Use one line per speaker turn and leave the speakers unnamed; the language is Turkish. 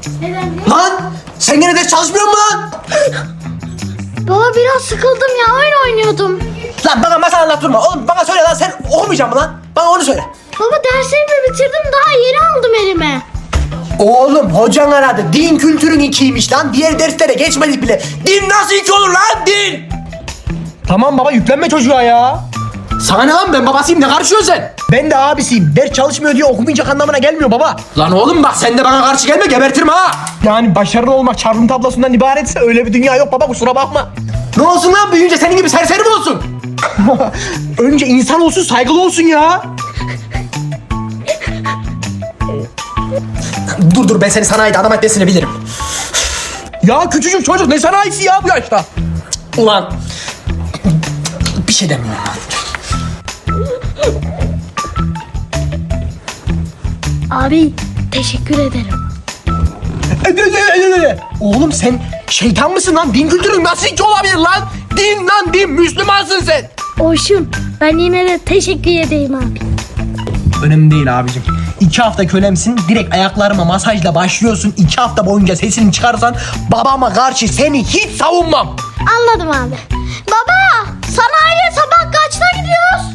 Lan sen gene ders çalışmıyor musun lan?
Baba biraz sıkıldım ya, oyun oynuyordum.
Lan bana masal anlattırma. Oğlum bana söyle lan, sen okumayacaksın mı lan? Bana onu söyle.
Baba derslerimi bitirdim, daha yeni aldım elime.
Oğlum hocan aradı. Din kültürün 2'ymiş lan. Diğer derslere geçmedik bile. Din nasıl 2 olur lan, din?
Tamam baba, yüklenme çocuğa ya.
Sana ne lan, ben babasıyım, ne karışıyorsun sen?
Ben de abisiyim. Ders çalışmıyor diye okumayacak anlamına gelmiyor baba.
Lan oğlum bak, sen de bana karşı gelme, gebertirim ha.
Yani başarılı olmak çarpım tablosundan ibaretse öyle bir dünya yok baba, kusura bakma.
Ne olsun lan, büyüyünce senin gibi serseri mi olsun?
Önce insan olsun, saygılı olsun ya.
Dur ben seni sanayide adam etmesini bilirim.
Ya küçücük çocuk ne sanayisi ya bu yaşta?
Ulan bir şey demiyorum lan.
Abi teşekkür ederim.
Oğlum sen şeytan mısın lan? Din kültürün nasıl hiç olabilir lan? Din lan din, Müslümansın sen.
Olsun, ben yine de teşekkür edeyim abi.
Önemli değil abicim. 2 hafta kölemsin, direkt ayaklarıma masajla başlıyorsun. 2 hafta boyunca sesini çıkarsan babama karşı seni hiç savunmam.
Anladım abi. Baba, sanayiye sabah kaçta gidiyoruz?